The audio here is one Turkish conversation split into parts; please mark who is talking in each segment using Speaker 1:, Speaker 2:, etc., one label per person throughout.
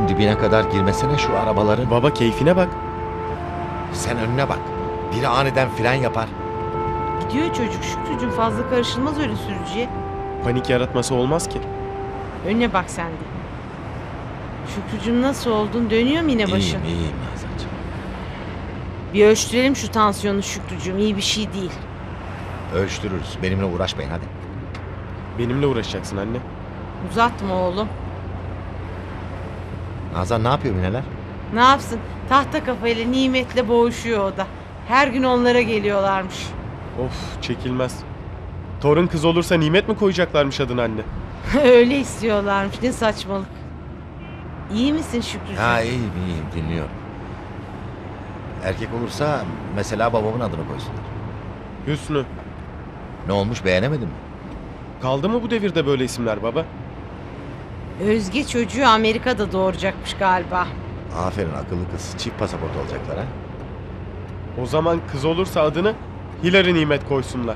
Speaker 1: Oğlum dibine kadar girmesene şu arabaların.
Speaker 2: Baba keyfine bak.
Speaker 1: Sen önüne bak. Biri aniden fren yapar.
Speaker 3: Gidiyor çocuk Şükrücüğüm, fazla karışılmaz öyle sürücüye.
Speaker 2: Panik yaratması olmaz ki.
Speaker 3: Önüne bak sen de. Şükrücüğüm nasıl oldun? Dönüyor mu yine başın?
Speaker 1: İyiyim Nazancığım.
Speaker 3: Bir ölçtürelim şu tansiyonu Şükrücüğüm. İyi bir şey değil.
Speaker 1: Ölçtürürüz. Benimle uğraşmayın hadi.
Speaker 2: Benimle uğraşacaksın anne.
Speaker 3: Uzatma oğlum.
Speaker 1: Nazan ne yapıyor Mineler?
Speaker 3: Ne yapsın? Tahta kafayla Nimet'le boğuşuyor o da. Her gün onlara geliyorlarmış.
Speaker 2: Of çekilmez. Torun kız olursa Nimet mi koyacaklarmış adını anne?
Speaker 3: Öyle istiyorlarmış. Ne saçmalık. İyi misin Şükrücüğüm?
Speaker 1: Ha iyiyim dinliyorum. Erkek olursa mesela babamın adını koysunlar.
Speaker 2: Hüsnü.
Speaker 1: Ne olmuş beğenemedin mi?
Speaker 2: Kaldı mı bu devirde böyle isimler baba?
Speaker 3: Özge çocuğu Amerika'da doğuracakmış galiba.
Speaker 1: Aferin akıllı kız. Çift pasaport olacaklar ha.
Speaker 2: O zaman kız olursa adını Hilary Nimet koysunlar.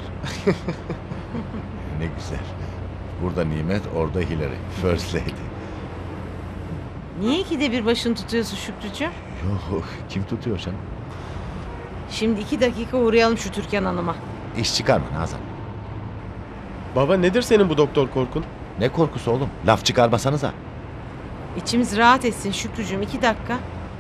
Speaker 1: Ne güzel. Burada Nimet, orada Hillary. First lady.
Speaker 3: Niye ikide bir başını tutuyorsun Şükrücüğüm?
Speaker 1: Yok kim tutuyor sen?
Speaker 3: Şimdi 2 dakika uğrayalım şu Türkan Hanım'a.
Speaker 1: İş çıkarma Nazan.
Speaker 2: Baba nedir senin bu doktor korkun?
Speaker 1: Ne korkusu oğlum? Laf çıkarmasanıza.
Speaker 3: İçimiz rahat etsin Şükrücüğüm. 2 dakika.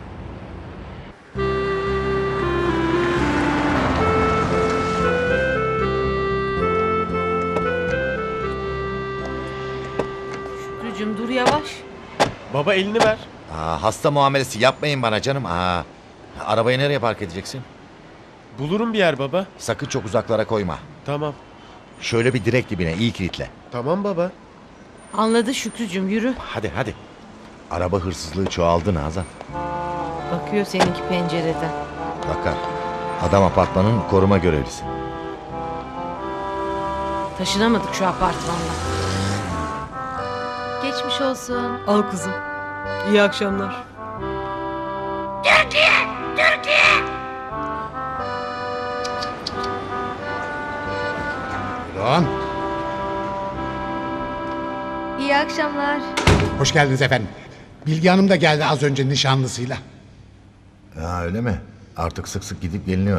Speaker 3: Şükrücüğüm dur yavaş.
Speaker 2: Baba elini ver.
Speaker 1: Hasta muamelesi yapmayın bana canım. Arabayı nereye park edeceksin?
Speaker 2: Bulurum bir yer baba.
Speaker 1: Sakın çok uzaklara koyma.
Speaker 2: Tamam.
Speaker 1: Şöyle bir direk dibine iyi kilitle.
Speaker 2: Tamam baba.
Speaker 3: Anladı Şükrücüğüm, yürü.
Speaker 1: Hadi. Araba hırsızlığı çoğaldı Nazan.
Speaker 3: Bakıyor seninki pencereden.
Speaker 1: Bakar. Adam apartmanın koruma görevlisi.
Speaker 3: Taşınamadık şu apartmanla.
Speaker 4: Geçmiş olsun.
Speaker 3: Al kızım. İyi akşamlar.
Speaker 5: Buyurun.
Speaker 4: İyi akşamlar.
Speaker 5: Hoş geldiniz efendim. Bilge Hanım da geldi az önce nişanlısıyla.
Speaker 1: Ya öyle mi? Artık sık sık gidip geliniyor.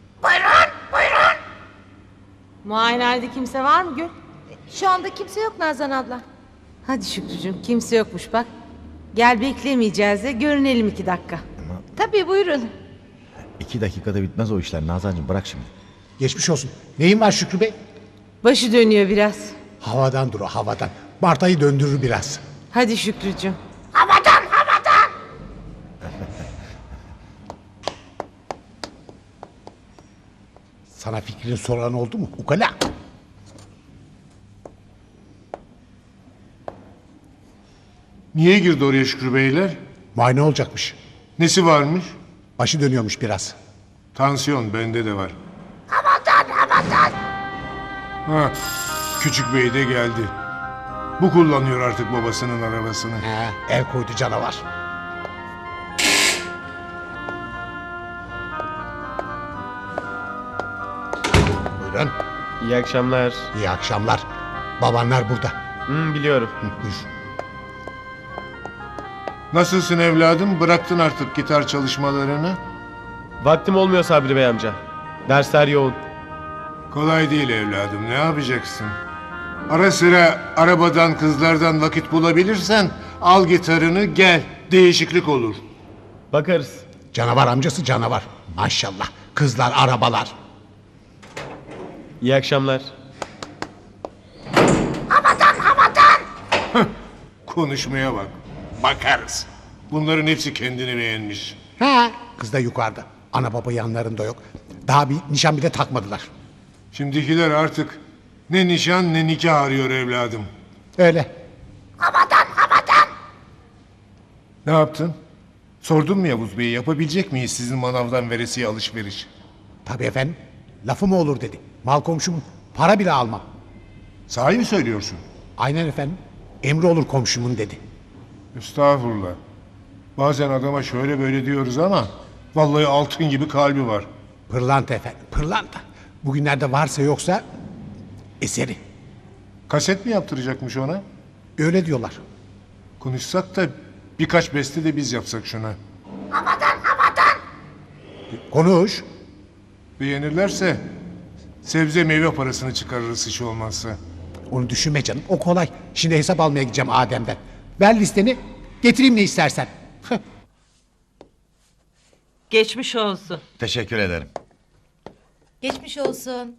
Speaker 3: Muayenehanede kimse var mı Gül?
Speaker 4: Şu anda kimse yok Nazan abla.
Speaker 3: Hadi Şükrücüğüm, kimse yokmuş bak. Gel beklemeyeceğiz de görünelim 2 dakika.
Speaker 4: Tabii buyurun.
Speaker 1: 2 dakikada bitmez o işler Nazancığım bırak şimdi.
Speaker 5: Geçmiş olsun. Neyin var Şükrü Bey?
Speaker 3: Başı dönüyor biraz.
Speaker 5: Havadan dur o havadan. Bartayı döndürür biraz.
Speaker 3: Hadi Şükrücüğüm.
Speaker 5: Sana fikrini soran oldu mu? Ukala.
Speaker 6: Niye girdi oraya Şükrü Beyler?
Speaker 5: Muayene olacakmış.
Speaker 6: Nesi varmış?
Speaker 5: Başı dönüyormuş biraz.
Speaker 6: Tansiyon bende de var. Aman. Ha, küçük bey de geldi. Bu kullanıyor artık babasının arabasını.
Speaker 5: El koydu canavar. Buyurun.
Speaker 2: İyi akşamlar.
Speaker 5: İyi akşamlar. Babanlar burada.
Speaker 2: Biliyorum.
Speaker 5: Buyur.
Speaker 6: Nasılsın evladım? Bıraktın artık gitar çalışmalarını.
Speaker 2: Vaktim olmuyor Sabri Bey amca. Dersler yoğun.
Speaker 6: Kolay değil evladım. Ne yapacaksın? Ara sıra arabadan kızlardan vakit bulabilirsen al gitarını gel. Değişiklik olur.
Speaker 2: Bakarız.
Speaker 5: Canavar amcası canavar. Maşallah. Kızlar, arabalar.
Speaker 2: İyi akşamlar.
Speaker 6: Konuşmaya bak. Bakarız. Bunların hepsi kendini beğenmiş.
Speaker 5: Kız da yukarıda. Ana baba yanlarında yok. Daha bir nişan bile takmadılar.
Speaker 6: Şimdikiler artık ne nişan ne nikah arıyor evladım.
Speaker 5: Öyle.
Speaker 6: Ne yaptın? Sordun mu Yavuz Bey'i yapabilecek miyiz sizin manavdan veresiye alışveriş?
Speaker 5: Tabii efendim. Lafı mı olur dedi. Mal komşum para bile almam.
Speaker 6: Sahi mi söylüyorsun?
Speaker 5: Aynen efendim. Emri olur komşumun dedi.
Speaker 6: Estağfurullah. Bazen adama şöyle böyle diyoruz ama vallahi altın gibi kalbi var.
Speaker 5: Pırlanta efendim. Pırlanta. Bugünlerde varsa yoksa eseri.
Speaker 6: Kaset mi yaptıracakmış ona?
Speaker 5: Öyle diyorlar.
Speaker 6: Konuşsak da Birkaç beste de biz yapsak şuna.
Speaker 5: Konuş.
Speaker 6: Beğenirlerse sebze meyve parasını çıkarırız hiç olmazsa.
Speaker 5: Onu düşünme canım. O kolay. Şimdi hesap almaya gideceğim Adem'den. Ver listeni. Getireyim ne istersen.
Speaker 3: Geçmiş olsun.
Speaker 1: Teşekkür ederim.
Speaker 4: Geçmiş olsun.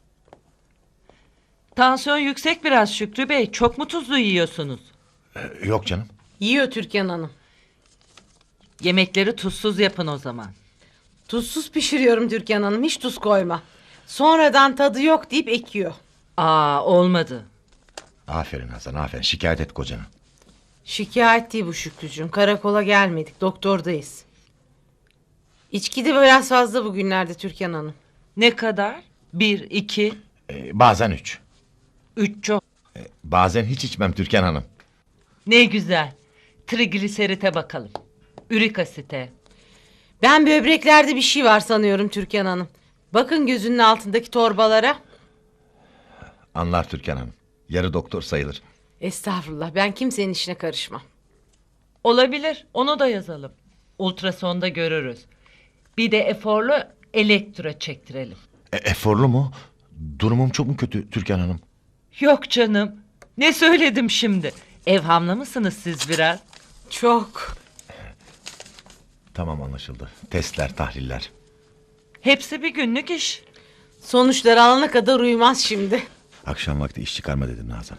Speaker 7: Tansiyon yüksek biraz Şükrü Bey. Çok mu tuzlu yiyorsunuz?
Speaker 1: Yok canım.
Speaker 3: Yiyor Türkan Hanım.
Speaker 7: Yemekleri tuzsuz yapın o zaman.
Speaker 3: Tuzsuz pişiriyorum Türkan Hanım. Hiç tuz koyma. Sonradan tadı yok deyip ekiyor.
Speaker 7: Olmadı.
Speaker 1: Aferin Hasan, aferin. Şikayet et kocana.
Speaker 3: Şikayet değil bu Şükrücüğüm. Karakola gelmedik. Doktordayız. İçki de biraz fazla bugünlerde Türkan Hanım.
Speaker 7: Ne kadar? 1, 2,
Speaker 1: Bazen 3.
Speaker 7: 3 çok.
Speaker 1: Bazen hiç içmem Türkan Hanım.
Speaker 7: Ne güzel. Trigliserite bakalım. Ürik asite.
Speaker 3: Ben böbreklerde bir şey var sanıyorum Türkan Hanım. Bakın gözünün altındaki torbalara.
Speaker 1: Anlar Türkan Hanım. Yarı doktor sayılır.
Speaker 3: Estağfurullah, ben kimsenin işine karışmam.
Speaker 7: Olabilir. Onu da yazalım. Ultrasonda görürüz. Bir de eforlu elektro çektirelim.
Speaker 1: Eforlu mu? Durumum çok mu kötü Türkan Hanım?
Speaker 7: Yok canım. Ne söyledim şimdi? Evhamlı mısınız siz biraz?
Speaker 3: Çok.
Speaker 1: Tamam, anlaşıldı. Testler, tahliller.
Speaker 7: Hepsi bir günlük iş.
Speaker 3: Sonuçları alana kadar uyumaz şimdi.
Speaker 1: Akşam vakti iş çıkarma dedim Nazan.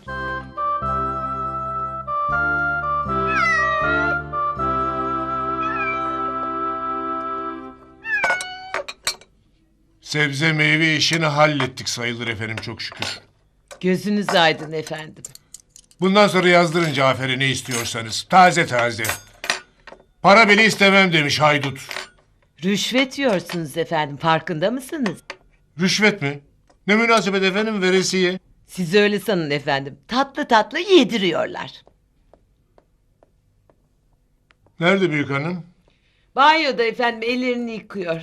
Speaker 6: Sebze meyve işini hallettik sayılır efendim çok şükür.
Speaker 7: Gözünüz aydın efendim.
Speaker 6: Bundan sonra yazdırın Cafer'e ne istiyorsanız. Taze taze. Para bile istemem demiş haydut.
Speaker 7: Rüşvet yiyorsunuz efendim, farkında mısınız?
Speaker 6: Rüşvet mi? Ne münasebet efendim, veresiye.
Speaker 7: Siz öyle sanın efendim. Tatlı tatlı yediriyorlar.
Speaker 6: Nerede büyük hanım?
Speaker 7: Banyoda efendim, ellerini yıkıyor.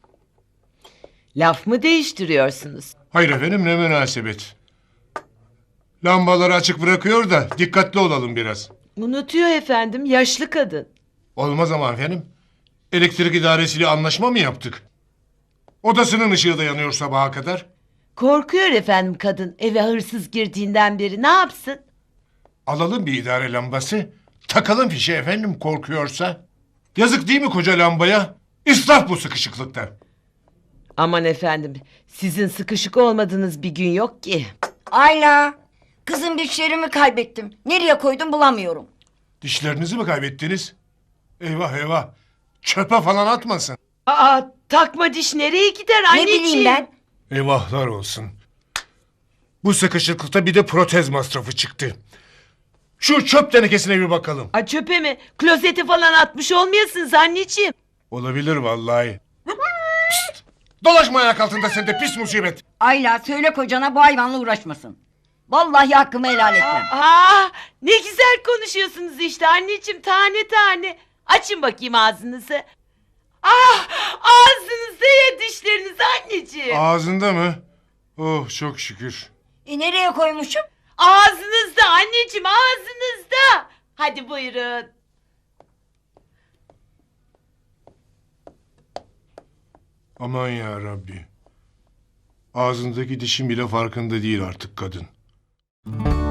Speaker 7: Laf mı değiştiriyorsunuz?
Speaker 6: Hayır efendim, ne münasebet. Lambaları açık bırakıyor da dikkatli olalım biraz.
Speaker 7: Unutuyor efendim, yaşlı kadın.
Speaker 6: Olmaz ama efendim. Elektrik idaresiyle anlaşma mı yaptık? Odasının ışığı da yanıyor sabaha kadar.
Speaker 7: Korkuyor efendim kadın, eve hırsız girdiğinden beri, ne yapsın?
Speaker 6: Alalım bir idare lambası. Takalım fişe efendim korkuyorsa. Yazık değil mi koca lambaya? İsraf bu sıkışıklıkta.
Speaker 7: Aman efendim, sizin sıkışık olmadığınız bir gün yok ki.
Speaker 8: Ayla. Kızım dişlerimi kaybettim. Nereye koydum bulamıyorum.
Speaker 6: Dişlerinizi mi kaybettiniz? Eyvah eyvah. Çöpe falan atmasın.
Speaker 7: Takma diş nereye gider
Speaker 8: Ne
Speaker 7: anneciğim?
Speaker 8: bileyim ben.
Speaker 6: Eyvahlar olsun. Bu sıkışıklıkta bir de protez masrafı çıktı. Şu çöp tenekesine bir bakalım.
Speaker 7: Çöpe mi? Klozete falan atmış olmayasınız anneciğim.
Speaker 6: Olabilir vallahi. Pişt! Dolaşma ayak altında sen de pis musibet.
Speaker 8: Ayla söyle kocana bu hayvanla uğraşmasın. Vallahi hakkımı helal etmem.
Speaker 7: Ne güzel konuşuyorsunuz işte anneciğim, tane tane. Açın bakayım ağzınızı. Ağzınızda ya dişleriniz anneciğim.
Speaker 6: Ağzında mı? Oh çok şükür.
Speaker 8: Nereye koymuşum?
Speaker 7: Ağzınızda anneciğim, ağzınızda. Hadi buyurun.
Speaker 6: Aman ya Rabbi. Ağzındaki dişin bile farkında değil artık kadın.